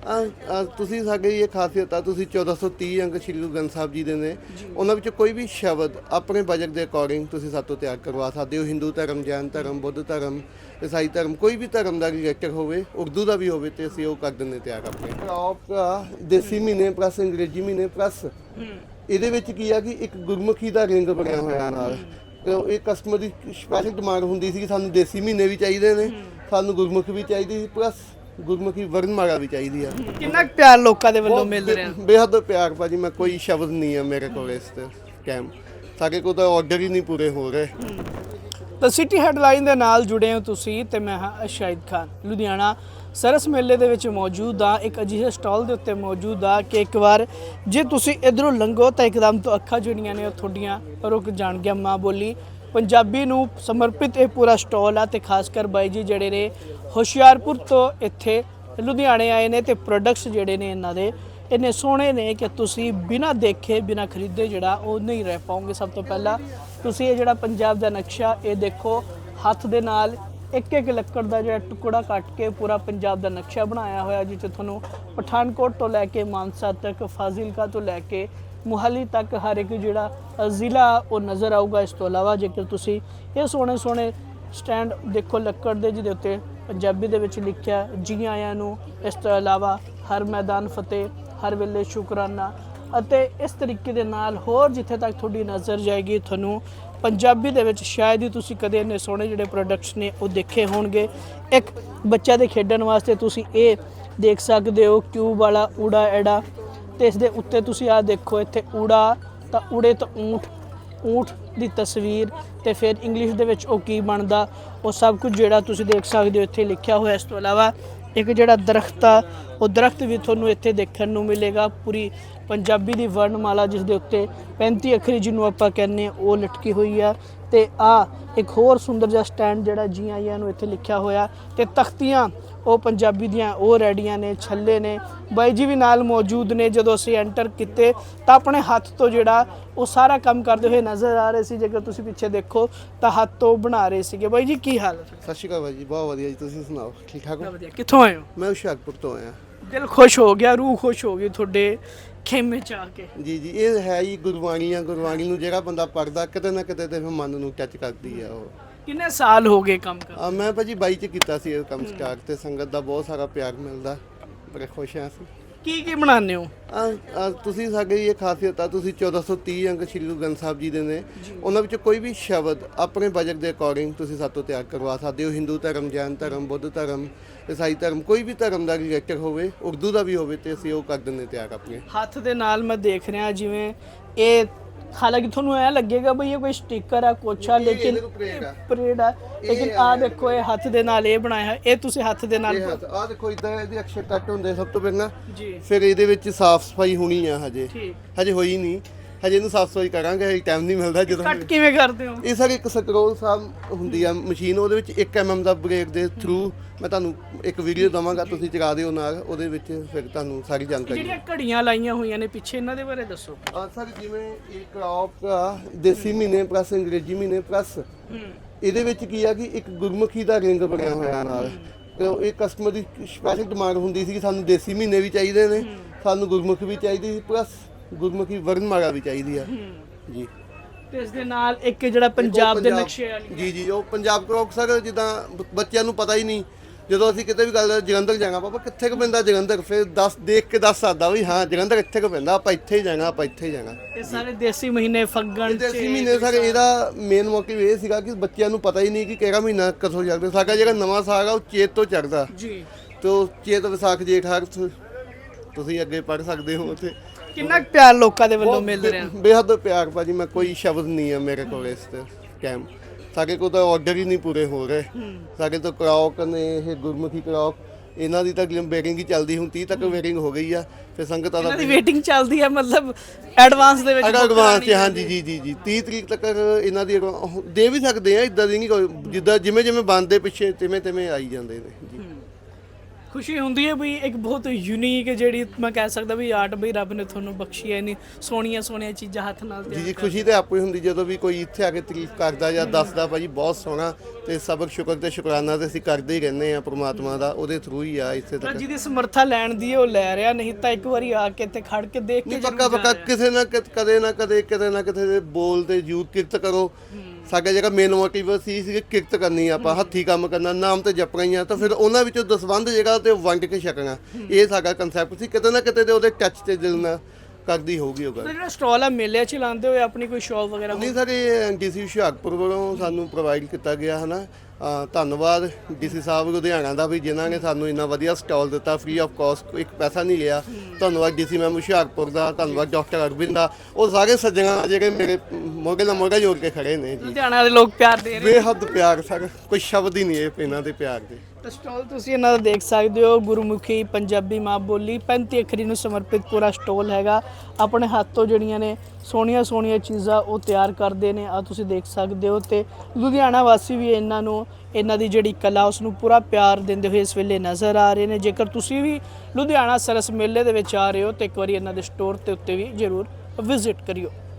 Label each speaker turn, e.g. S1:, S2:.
S1: ਤੁਸੀਂ ਸਾਡੇ ਇਹ ਖਾਸੀਅਤ ਆ, ਤੁਸੀਂ 1430 ਅੰਕ ਸ਼੍ਰੀ ਗੁਰੂ ਗ੍ਰੰਥ ਸਾਹਿਬ ਜੀ ਦੇ ਨੇ, ਉਹਨਾਂ ਵਿੱਚ ਕੋਈ ਵੀ ਸ਼ਬਦ ਆਪਣੇ ਬਜਟ ਦੇ ਅਕੋਰਡਿੰਗ ਤੁਸੀਂ ਸਾਡੇ ਤੋਂ ਤਿਆਰ ਕਰਵਾ ਸਕਦੇ ਹੋ। ਹਿੰਦੂ ਧਰਮ, ਜੈਨ ਧਰਮ, ਬੁੱਧ ਧਰਮ, ਈਸਾਈ ਧਰਮ, ਕੋਈ ਵੀ ਧਰਮ ਦਾ ਰਿਲੇਟਡ ਹੋਵੇ, ਉਰਦੂ ਦਾ ਵੀ ਹੋਵੇ, ਤੇ ਅਸੀਂ ਉਹ ਕਰ ਦਿੰਦੇ ਤਿਆਰ ਆਪਣੇ ਟੌਪ। ਦੇਸੀ ਮਹੀਨੇ ਪਲੱਸ ਅੰਗਰੇਜ਼ੀ ਮਹੀਨੇ ਪਲੱਸ ਇਹਦੇ ਵਿੱਚ ਕੀ ਆ ਕਿ ਇੱਕ ਗੁਰਮੁਖੀ ਦਾ ਰਿੰਗ ਬਣਿਆ ਹੋਇਆ ਨਾਲ। ਇਹ ਕਸਟਮਰ ਦੀ ਸਪੈਸ਼ਲ ਡਿਮਾਂਡ ਹੁੰਦੀ ਸੀ ਕਿ ਸਾਨੂੰ ਦੇਸੀ ਮਹੀਨੇ ਵੀ ਚਾਹੀਦੇ ਨੇ, ਸਾਨੂੰ ਗੁਰਮੁਖ ਵੀ ਚਾਹੀਦੀ ਸੀ, ਪਲੱਸ ਗੁਰਮੁਖੀ ਵਰਨਮਾਲਾ ਵੀ ਚਾਹੀਦੀ ਆ।
S2: ਕਿੰਨਾ ਪਿਆਰ ਲੋਕਾਂ ਦੇ ਵੱਲੋਂ ਮਿਲ ਰਿਹਾ?
S1: ਬੇਹੱਦ ਪਿਆਰ ਭਾਜੀ, ਮੈਂ ਕੋਈ ਸ਼ਬਦ ਨਹੀਂ ਆ ਮੇਰੇ ਕੋਲ ਇਸ ਤੇ ਕੈਮ, ਸਾਡੇ ਕੋਲ ਤਾਂ ਆਰਡਰ ਹੀ ਨਹੀਂ ਪੂਰੇ ਹੋ ਰਹੇ।
S2: ਤਾਂ ਸਿਟੀ ਹੈਡਲਾਈਨ ਦੇ ਨਾਲ ਜੁੜੇ ਹੋ ਤੁਸੀਂ ਤੇ ਮੈਂ ਹਾਂ ਸ਼ਾਹਿਦ ਖਾਨ। ਲੁਧਿਆਣਾ ਸਰਸ ਮੇਲੇ ਦੇ ਵਿੱਚ ਮੌਜੂਦ ਆ, ਇੱਕ ਅਜਿਹੇ ਸਟਾਲ ਦੇ ਉੱਤੇ ਮੌਜੂਦ ਆ ਕਿ ਇੱਕ ਵਾਰ ਜੇ ਤੁਸੀਂ ਇਧਰੋਂ ਲੰਘੋ ਤਾਂ ਇੱਕਦਮ ਤੋਂ ਅੱਖਾਂ ਜਿਹੜੀਆਂ ਨੇ ਉਹ ਤੁਹਾਡੀਆਂ ਰੁਕ ਜਾਣਗੀਆਂ। ਮਾਂ ਬੋਲੀ ਪੰਜਾਬੀ ਨੂੰ ਸਮਰਪਿਤ ਇਹ ਪੂਰਾ ਸਟਾਲ ਆ ਤੇ ਖਾਸ ਕਰ ਬਾਈ ਜੀ ਜਿਹੜੇ ਨੇ ਹੁਸ਼ਿਆਰਪੁਰ ਤੋਂ ਇੱਥੇ ਲੁਧਿਆਣੇ ਆਏ ਨੇ ਤੇ ਪ੍ਰੋਡਕਟਸ ਜਿਹੜੇ ਨੇ ਇਹਨਾਂ ਦੇ ਇੰਨੇ ਸੋਹਣੇ ਨੇ ਕਿ ਤੁਸੀਂ ਬਿਨਾਂ ਦੇਖੇ ਬਿਨਾਂ ਖਰੀਦੇ ਜਿਹੜਾ ਉਹ ਨਹੀਂ ਰਹਿ ਪਾਓਗੇ। ਸਭ ਤੋਂ ਪਹਿਲਾਂ ਤੁਸੀਂ ਇਹ ਜਿਹੜਾ ਪੰਜਾਬ ਦਾ ਨਕਸ਼ਾ ਇਹ ਦੇਖੋ, ਹੱਥ ਦੇ ਨਾਲ ਇੱਕ ਇੱਕ ਲੱਕੜ ਦਾ ਜਿਹੜਾ ਟੁਕੜਾ ਕੱਟ ਕੇ ਪੂਰਾ ਪੰਜਾਬ ਦਾ ਨਕਸ਼ਾ ਬਣਾਇਆ ਹੋਇਆ, ਜਿੱਥੇ ਤੁਹਾਨੂੰ ਪਠਾਨਕੋਟ ਤੋਂ ਲੈ ਕੇ ਮਾਨਸਾ ਤੱਕ, ਫਾਜ਼ਿਲਕਾ ਤੋਂ ਲੈ ਕੇ ਮੁਹਾਲੀ ਤੱਕ ਹਰ ਇੱਕ ਜਿਹੜਾ ਜ਼ਿਲ੍ਹਾ ਉਹ ਨਜ਼ਰ ਆਊਗਾ। ਇਸ ਤੋਂ ਇਲਾਵਾ ਜੇਕਰ ਤੁਸੀਂ ਇਹ ਸੋਹਣੇ ਸੋਹਣੇ ਸਟੈਂਡ ਦੇਖੋ ਲੱਕੜ ਦੇ, ਜਿਹਦੇ ਉੱਤੇ ਪੰਜਾਬੀ ਦੇ ਵਿੱਚ ਲਿਖਿਆ ਜੀ ਆਇਆਂ ਨੂੰ, ਇਸ ਤੋਂ ਇਲਾਵਾ ਹਰ ਮੈਦਾਨ ਫਤਿਹ, ਹਰ ਵੇਲੇ ਸ਼ੁਕਰਾਨਾ, ਅਤੇ ਇਸ ਤਰੀਕੇ ਦੇ ਨਾਲ ਹੋਰ ਜਿੱਥੇ ਤੱਕ ਤੁਹਾਡੀ ਨਜ਼ਰ ਜਾਏਗੀ ਤੁਹਾਨੂੰ ਪੰਜਾਬੀ ਦੇ ਵਿੱਚ ਸ਼ਾਇਦ ਹੀ ਤੁਸੀਂ ਕਦੇ ਇੰਨੇ ਸੋਹਣੇ ਜਿਹੜੇ ਪ੍ਰੋਡਕਟਸ ਨੇ ਉਹ ਦੇਖੇ ਹੋਣਗੇ। ਇੱਕ ਬੱਚਾ ਦੇ ਖੇਡਣ ਵਾਸਤੇ ਤੁਸੀਂ ਇਹ ਦੇਖ ਸਕਦੇ ਹੋ ਕਿਊਬ ਵਾਲਾ ਊੜਾ ਐੜਾ, ਤੇ ਇਸ ਦੇ ਉੱਤੇ ਤੁਸੀਂ ਆਹ ਦੇਖੋ ਇੱਥੇ ਊੜਾ ਤਾਂ ਊੜੇ ਤੋਂ ਊਂਠ, ਊਂਠ ਦੀ ਤਸਵੀਰ, ਤੇ ਫਿਰ ਇੰਗਲਿਸ਼ ਦੇ ਵਿੱਚ ਉਹ ਕੀ ਬਣਦਾ ਉਹ ਸਭ ਕੁਝ ਜਿਹੜਾ ਤੁਸੀਂ ਦੇਖ ਸਕਦੇ ਹੋ ਇੱਥੇ ਲਿਖਿਆ ਹੋਇਆ। ਇਸ ਤੋਂ ਇਲਾਵਾ ਇੱਕ ਜਿਹੜਾ ਦਰਖਤ ਆ ਉਹ ਦਰਖਤ ਵੀ ਤੁਹਾਨੂੰ ਇੱਥੇ ਦੇਖਣ ਨੂੰ ਮਿਲੇਗਾ, ਪੂਰੀ ਪੰਜਾਬੀ ਦੀ ਵਰਣਮਾਲਾ ਜਿਸ ਦੇ ਉੱਤੇ 35 ਅੱਖਰੀ ਜਿਹਨੂੰ ਆਪਾਂ ਕਹਿੰਦੇ ਹਾਂ ਉਹ ਲਟਕੀ ਹੋਈ ਆ। ਤੇ ਆ ਇੱਕ ਹੋਰ ਸੁੰਦਰ ਜਿਹਾ ਸਟੈਂਡ ਜਿਹੜਾ ਜੀ ਆਇਆਂ ਨੂੰ ਇੱਥੇ ਲਿਖਿਆ ਹੋਇਆ, ਤੇ ਤਖਤੀਆਂ ਉਹ ਪੰਜਾਬੀ ਦੀਆਂ ਉਹ ਰੈਡੀਆਂ ਨੇ, ਛੱਲੇ ਨੇ। ਬਾਈ ਜੀ ਵੀ ਨਾਲ ਮੌਜੂਦ ਨੇ। ਜਦੋਂ ਅਸੀਂ ਐਂਟਰ ਕੀਤੇ ਤਾਂ ਆਪਣੇ ਹੱਥ ਤੋਂ ਜਿਹੜਾ ਉਹ ਸਾਰਾ ਕੰਮ ਕਰਦੇ ਹੋਏ ਨਜ਼ਰ ਆ ਰਹੇ ਸੀ। ਜੇਕਰ ਤੁਸੀਂ ਪਿੱਛੇ ਦੇਖੋ ਤਾਂ ਹੱਥ ਤੋਂ ਬਣਾ ਰਹੇ ਸੀਗੇ। ਬਾਈ ਜੀ ਕੀ ਹਾਲ ਹੈ?
S1: ਸਤਿ ਸ਼੍ਰੀ ਅਕਾਲ ਭਾਈ ਜੀ, ਬਹੁਤ ਵਧੀਆ ਜੀ, ਤੁਸੀਂ ਸੁਣਾਓ? ਠੀਕ ਠਾਕ ਹੋ?
S2: ਵਧੀਆ। ਕਿੱਥੋਂ ਆਏ ਹੋ?
S1: ਮੈਂ ਹੁਸ਼ਿਆਰਪੁਰ ਤੋਂ ਆਇਆ।
S2: ਦਿਲ ਖੁਸ਼ ਹੋ ਗਿਆ, ਰੂਹ ਖੁਸ਼ ਹੋ ਗਈ ਤੁਹਾਡੇ ਖੇਮੇ 'ਚ ਆ ਕੇ।
S1: ਜੀ ਜੀ, ਇਹ ਹੈ ਹੀ ਗੁਰਬਾਣੀ ਆ। ਗੁਰਬਾਣੀ ਨੂੰ ਜਿਹੜਾ ਬੰਦਾ ਪੜ੍ਹਦਾ ਕਿਤੇ ਨਾ ਕਿਤੇ ਤੇ ਫਿਰ ਮਨ ਨੂੰ ਟੱਚ ਕਰਦੀ ਆ ਉਹ।
S2: ਕਿੰਨੇ ਸਾਲ ਹੋ ਗਏ ਕੰਮ ਕਰ?
S1: ਮੈਂ ਭਾਜੀ 22 ਚ ਕੀਤਾ ਸੀ ਇਹ ਕੰਮ ਸਟਾਰਟ, ਤੇ ਸੰਗਤ ਦਾ ਬਹੁਤ ਸਾਰਾ ਪਿਆਰ ਮਿਲਦਾ, ਬੜੇ ਖੁਸ਼ ਹਾਂ ਅਸੀਂ।
S2: ਕੀ ਕੀ ਬਣਾਉਂਦੇ ਹੋ?
S1: ਤੁਸੀਂ ਸਾਡੇ ਇਹ ਖਾਸੀਅਤ ਆ, ਤੁਸੀਂ 1430 ਅੰਕ ਸ਼੍ਰੀ ਗੁਰੂ ਗ੍ਰੰਥ ਸਾਹਿਬ ਜੀ ਦੇ ਨੇ, ਉਹਨਾਂ ਵਿੱਚ ਕੋਈ ਵੀ ਸ਼ਬਦ ਆਪਣੇ ਬਜਟ ਦੇ ਅਕੋਰਡਿੰਗ ਤੁਸੀਂ ਸਾਡੇ ਤੋਂ ਤਿਆਰ ਕਰਵਾ ਸਕਦੇ ਹੋ। ਹਿੰਦੂ ਧਰਮ, ਜੈਨ ਧਰਮ, ਬੁੱਧ ਧਰਮ, ਈਸਾਈ ਧਰਮ, ਕੋਈ ਵੀ ਧਰਮ ਦਾ ਰਿਲੇਟਡ ਹੋਵੇ, ਉਰਦੂ ਦਾ ਵੀ ਹੋਵੇ, ਤੇ ਅਸੀਂ ਉਹ ਕਰ ਦਿੰਦੇ ਤਿਆਰ ਆਪਣੇ
S2: ਹੱਥ ਦੇ ਨਾਲ। ਮੈਂ ਦੇਖ ਰਿਹਾ ਜਿਵੇਂ ਇਹ, ਹਾਲਾਂਕਿ ਤੁਹਾਨੂੰ ਐ ਲੱਗੇਗਾ ਬਈ ਇਹ ਕੋਈ ਸਟicker ਆ ਕੁਛ ਆ, ਲੇਕਿਨ ਪਰੇਡ ਆ, ਲੇਕਿਨ ਆ ਦੇਖੋ ਇਹ ਹੱਥ ਦੇ ਨਾਲ ਇਹ ਬਣਾਇਆ, ਇਹ ਤੁਸੀਂ ਹੱਥ ਦੇ ਨਾਲ।
S1: ਆ ਦੇਖੋ ਇਦਾਂ ਇਹਦੇ ਅਕਸ਼ਰ ਕੱਟ ਹੁੰਦੇ ਸਭ ਤੋਂ ਪਹਿਲਾਂ
S2: ਜੀ,
S1: ਫਿਰ ਇਹਦੇ ਵਿੱਚ ਸਾਫ਼ ਸਫਾਈ ਹੋਣੀ ਆ।
S2: ਠੀਕ,
S1: ਹਜੇ ਹੋਈ ਨਹੀਂ, ਹਜੇ ਇਹਨੂੰ ਸਾਫ਼ ਸਫਾਈ ਕਰਾਂਗੇ, ਟਾਈਮ ਨਹੀਂ ਮਿਲਦਾ। ਜਦੋਂ
S2: ਕੱਟ ਕਿਵੇਂ ਕਰਦੇ ਹੋ?
S1: ਇਹ ਸਾਰੇ ਇੱਕ ਸਕਰੋਲ ਸਾਹਿਬ ਹੁੰਦੀ ਆ ਮਸ਼ੀਨ, ਉਹਦੇ ਵਿੱਚ 1 mm ਦਾ ਬ੍ਰੇਕ ਦੇ ਥਰੂ ਮੈਂ ਤੁਹਾਨੂੰ ਇੱਕ ਵੀਡੀਓ ਦਵਾਂਗਾ, ਤੁਸੀਂ ਚਲਾ ਦਿਓ ਨਾਲ, ਉਹਦੇ ਵਿੱਚ ਫਿਰ ਤੁਹਾਨੂੰ ਸਾਰੀ ਜਾਣਕਾਰੀ।
S2: ਜਿਹੜੀਆਂ ਘੜੀਆਂ ਲਾਈਆਂ ਹੋਈਆਂ ਨੇ ਪਿੱਛੇ, ਇਹਨਾਂ ਦੇ ਬਾਰੇ ਦੱਸੋ।
S1: ਸਰ ਜਿਵੇਂ ਇਹ ਕ੍ਰੌਪ ਆ, ਦੇਸੀ ਮਹੀਨੇ ਪਲੱਸ ਅੰਗਰੇਜ਼ੀ ਮਹੀਨੇ ਪਲੱਸ ਇਹਦੇ ਵਿੱਚ ਕੀ ਆ ਕਿ ਇੱਕ ਗੁਰਮੁਖੀ ਦਾ ਰਿੰਗ ਬਣਿਆ ਹੋਇਆ ਨਾਲ। ਇਹ ਕਸਟਮਰ ਦੀ ਸਪੈਸ਼ਲ ਡਿਮਾਂਡ ਹੁੰਦੀ ਸੀ ਕਿ ਸਾਨੂੰ ਦੇਸੀ ਮਹੀਨੇ ਵੀ ਚਾਹੀਦੇ ਨੇ, ਸਾਨੂੰ ਗੁਰਮੁਖ ਵੀ ਚਾਹੀਦੀ ਸੀ, ਪਲੱਸ ਗੁਰਮੁਖੀ ਵਰਨਮਾਲਾ ਵੀ ਚਾਹੀਦੀ ਆ ਜੀ।
S2: ਤੇ ਇਸ ਦੇ ਨਾਲ ਇੱਕ ਜਿਹੜਾ ਪੰਜਾਬ ਦੇ ਨਕਸ਼ੇ ਵਾਲੀ।
S1: ਜੀ ਜੀ, ਉਹ ਪੰਜਾਬ ਕ੍ਰੌਕ ਸਰ, ਜਿੱਦਾਂ ਬੱਚਿਆਂ ਨੂੰ ਪਤਾ ਹੀ ਨਹੀਂ, ਜਦੋਂ ਅਸੀਂ ਕਿਤੇ ਵੀ ਗੱਲ ਜਲੰਧਰ ਜਾਣਾ, ਪਾਪਾ ਕਿੱਥੇ ਕੁ ਪੈਂਦਾ ਜਲੰਧਰ, ਫਿਰ ਦੇਖ ਕੇ ਦੱਸ ਸਕਦਾ ਵੀ ਹਾਂ ਜਲੰਧਰ ਇੱਥੇ ਕੁ ਪੈਂਦਾ, ਆਪਾਂ ਇੱਥੇ ਹੀ ਜਾਣਾ, ਆਪਾਂ ਇੱਥੇ ਹੀ ਜਾਣਾ।
S2: ਇਹ ਸਾਰੇ ਦੇਸੀ ਮਹੀਨੇ ਫੱਗਣ,
S1: ਦੇਸੀ ਮਹੀਨੇ ਸਰ, ਇਹਦਾ ਮੇਨ ਮੋਟਿਵ ਇਹ ਸੀਗਾ ਕਿ ਬੱਚਿਆਂ ਨੂੰ ਪਤਾ ਹੀ ਨਹੀਂ ਕਿ ਕਿਹੜਾ ਮਹੀਨਾ ਕਦੋਂ ਚੜ੍ਹਦਾ। ਸਾਡਾ ਜਿਹੜਾ ਨਵਾਂ ਸਾਗ ਆ ਉਹ ਚੇਤ ਤੋਂ ਚੜ੍ਹਦਾ
S2: ਜੀ,
S1: ਤੇ ਉਹ ਚੇਤ, ਵਿਸਾਖ, ਜੇਠ, ਹਾੜ ਤੁਸੀਂ ਅੱਗੇ ਪੜ੍ਹ ਸਕਦੇ ਹੋ ਉੱਥੇ।
S2: ਕਿੰਨਾ ਪਿਆਰ ਲੋਕਾਂ ਦੇ ਵੱਲੋਂ ਮਿਲ ਰਿਹਾ?
S1: ਬੇਹੱਦ ਪਿਆਰ ਭਾਜੀ, ਮੈਂ ਕੋਈ ਸ਼ਬਦ ਨਹੀਂ ਆ ਮੇਰੇ ਕੋਲ ਇਸ ਤੇ ਕੈਮ, ਸਾਡੇ ਕੋਲ ਤਾਂ ਆਰਡਰ ਹੀ ਨਹੀਂ ਪੂਰੇ ਹੋ ਰਹੇ। ਸਾਡੇ ਤੋਂ ਕ੍ਰੌਕ ਨੇ, ਇਹ ਗੁਰਮੁਖੀ ਕ੍ਰੌਕ, ਇਹਨਾਂ ਦੀ ਤਾਂ ਵੇਟਿੰਗ ਹੀ ਚੱਲਦੀ, ਹੁਣ 30 ਤੱਕ ਵੇਟਿੰਗ ਹੋ ਗਈ ਆ। ਫਿਰ ਸੰਗਤਾਂ ਦਾ
S2: ਵੇਟਿੰਗ ਚੱਲਦੀ ਹੈ, ਮਤਲਬ ਐਡਵਾਂਸ ਦੇ ਵਿੱਚ?
S1: ਐਡਵਾਂਸ ਹਾਂਜੀ ਜੀ ਜੀ ਜੀ, 30 ਤਰੀਕ ਤੱਕ ਇਹਨਾਂ ਦੀ ਦੇ ਵੀ ਸਕਦੇ ਆ, ਇਦਾਂ ਦੀ ਨਹੀਂ ਕੋਈ, ਜਿੱਦਾਂ ਜਿਵੇਂ ਜਿਵੇਂ ਬਣਦੇ ਪਿੱਛੇ ਤਿਵੇਂ ਤਿਵੇਂ ਆਈ ਜਾਂਦੇ ਨੇ ਜੀ।
S2: ਖੁਸ਼ੀ ਹੁੰਦੀ ਹੈ ਵੀ ਇੱਕ ਬਹੁਤ ਯੂਨੀਕ ਜਿਹੜੀ ਮੈਂ ਕਹਿ ਸਕਦਾ ਵੀ ਆਰਟ ਵੀ ਰੱਬ ਨੇ ਤੁਹਾਨੂੰ ਬਖਸ਼ੀ ਹੈ ਇੰਨੀ ਸੋਹਣੀਆਂ ਸੋਹਣੀਆਂ ਚੀਜ਼ਾਂ ਹੱਥ ਨਾਲ
S1: ਜੀ ਜੀ ਖੁਸ਼ੀ ਤੇ ਆਪੇ ਹੁੰਦੀ ਜਦੋਂ ਵੀ ਕੋਈ ਇੱਥੇ ਆ ਕੇ ਤਾਰੀਫ ਕਰਦਾ ਜਾਂ ਦੱਸਦਾ ਭਾਜੀ ਬਹੁਤ ਸੋਹਣਾ, ਤੇ ਸਬਕ ਸ਼ੁਕਰ ਤੇ ਸ਼ੁਕਰਾਨਾ ਤੇ ਅਸੀਂ ਕਰਦੇ ਹੀ ਰਹਿੰਦੇ ਆ ਪ੍ਰਮਾਤਮਾ ਦਾ, ਉਹਦੇ ਥਰੂ ਹੀ ਆ ਇੱਥੇ ਤੱਕ।
S2: ਜਿਹਦੀ ਸਮਰੱਥਾ ਲੈਣ ਦੀ ਉਹ ਲੈ ਰਿਹਾ, ਨਹੀਂ ਤਾਂ ਇੱਕ ਵਾਰੀ ਆ ਕੇ ਤੇ ਖੜ ਕੇ ਦੇਖ ਕੇ
S1: ਪੱਕਾ ਪੱਕਾ ਕਿਸੇ ਨਾ ਕਦੇ ਨਾ ਕਦੇ ਕਿਤੇ ਨਾ ਕਿਤੇ ਦੇ ਬੋਲ ਤੇ ਯੂਥ ਕਿਰਤ ਕਰੋ। ਸਾਡਾ ਜਿਹੜਾ ਮੇਨ ਮੋਟਿਵ ਸੀ ਕਿਰਤ ਕਰਨੀ, ਆਪਾਂ ਹੱਥੀਂ ਕੰਮ ਕਰਨਾ, ਨਾਮ ਤੇ ਜਪਣਾ ਹੀ ਆ, ਤਾਂ ਫਿਰ ਉਹਨਾਂ ਵਿੱਚੋਂ ਦਸਵੰਧ ਜਿਹੜਾ ਤੇ ਵੰਡ ਕੇ ਛਕਣਾ, ਇਹ ਸਾਡਾ ਕਨਸੈਪਟ ਸੀ। ਕਿਤੇ ਨਾ ਕਿਤੇ ਤੇ ਉਹਦੇ ਟੱਚ ਤੇ ਦਿਲ ਨਾਲ ਕਰਦੀ ਹੋਊਗੀ ਉਹ ਗੱਲ।
S2: ਜਿਹੜਾ ਸਟਾਲ ਆ ਮੇਲੇ 'ਚ ਲਾਉਂਦੇ ਹੋਏ ਆਪਣੀ ਕੋਈ ਸ਼ੌਪ ਵਗੈਰਾ?
S1: ਨਹੀਂ ਸਰ, ਇਹ ਡੀਸੀ ਹੁਸ਼ਿਆਰਪੁਰ ਵੱਲੋਂ ਸਾਨੂੰ ਪ੍ਰੋਵਾਈਡ ਕੀਤਾ ਗਿਆ ਹੈ ਨਾ। ਧੰਨਵਾਦ ਡੀਸੀ ਸਾਹਿਬ ਲੁਧਿਆਣਾ ਦਾ ਵੀ, ਜਿਨ੍ਹਾਂ ਨੇ ਸਾਨੂੰ ਇੰਨਾ ਵਧੀਆ ਸਟਾਲ ਦਿੱਤਾ, ਫ੍ਰੀ ਆਫ ਕਾਸਟ, ਇੱਕ ਪੈਸਾ ਨਹੀਂ ਲਿਆ। ਧੰਨਵਾਦ ਡੀਸੀ ਮੈਮ ਹੁਸ਼ਿਆਰਪੁਰ ਦਾ, ਧੰਨਵਾਦ ਡਾਕਟਰ ਅਰਵਿੰਦ ਦਾ, ਉਹ ਸਾਰੇ ਸੱਜਣਾ ਜਿਹੜੇ ਮੇਰੇ ਮੋਢੇ ਨਾਲ ਮੋਢਾ ਜੋੜ ਕੇ ਖੜੇ ਨੇ ਜੀ।
S2: ਲੁਧਿਆਣਾ ਦੇ ਲੋਕ ਪਿਆਰ ਦੇ ਰਹੇ
S1: ਬੇਹੱਦ ਪਿਆਰ ਸਰ, ਕੋਈ ਸ਼ਬਦ ਹੀ ਨਹੀਂ ਇਹ ਇਹਨਾਂ ਦੇ ਪਿਆਰ ਦੇ।
S2: ਤਾਂ ਸਟਾਲ ਤੁਸੀਂ ਇਹਨਾਂ ਦਾ ਦੇਖ ਸਕਦੇ ਹੋ, ਗੁਰਮੁਖੀ ਪੰਜਾਬੀ ਮਾਂ ਬੋਲੀ 35 ਅੱਖਰੀ ਨੂੰ ਸਮਰਪਿਤ ਪੂਰਾ ਸਟਾਲ ਹੈਗਾ। ਆਪਣੇ ਹੱਥ ਤੋਂ ਜਿਹੜੀਆਂ ਨੇ ਸੋਹਣੀਆਂ ਸੋਹਣੀਆਂ ਚੀਜ਼ਾਂ ਉਹ ਤਿਆਰ ਕਰਦੇ ਨੇ, ਆ ਤੁਸੀਂ ਦੇਖ ਸਕਦੇ ਹੋ। ਤੇ ਲੁਧਿਆਣਾ ਵਾਸੀ ਵੀ ਇਹਨਾਂ ਦੀ ਜਿਹੜੀ ਕਲਾ ਉਸ ਨੂੰ ਪੂਰਾ ਪਿਆਰ ਦਿੰਦੇ ਹੋਏ ਇਸ ਵੇਲੇ ਨਜ਼ਰ ਆ ਰਹੇ ਨੇ। ਜੇਕਰ ਤੁਸੀਂ ਵੀ ਲੁਧਿਆਣਾ ਸਰਸ ਮੇਲੇ ਦੇ ਵਿੱਚ ਆ ਰਹੇ ਹੋ ਤਾਂ ਇੱਕ ਵਾਰੀ ਇਹਨਾਂ ਦੇ ਸਟੋਰ ਤੇ ਉੱਤੇ ਵੀ ਜ਼ਰੂਰ ਵਿਜ਼ਿਟ ਕਰਿਓ।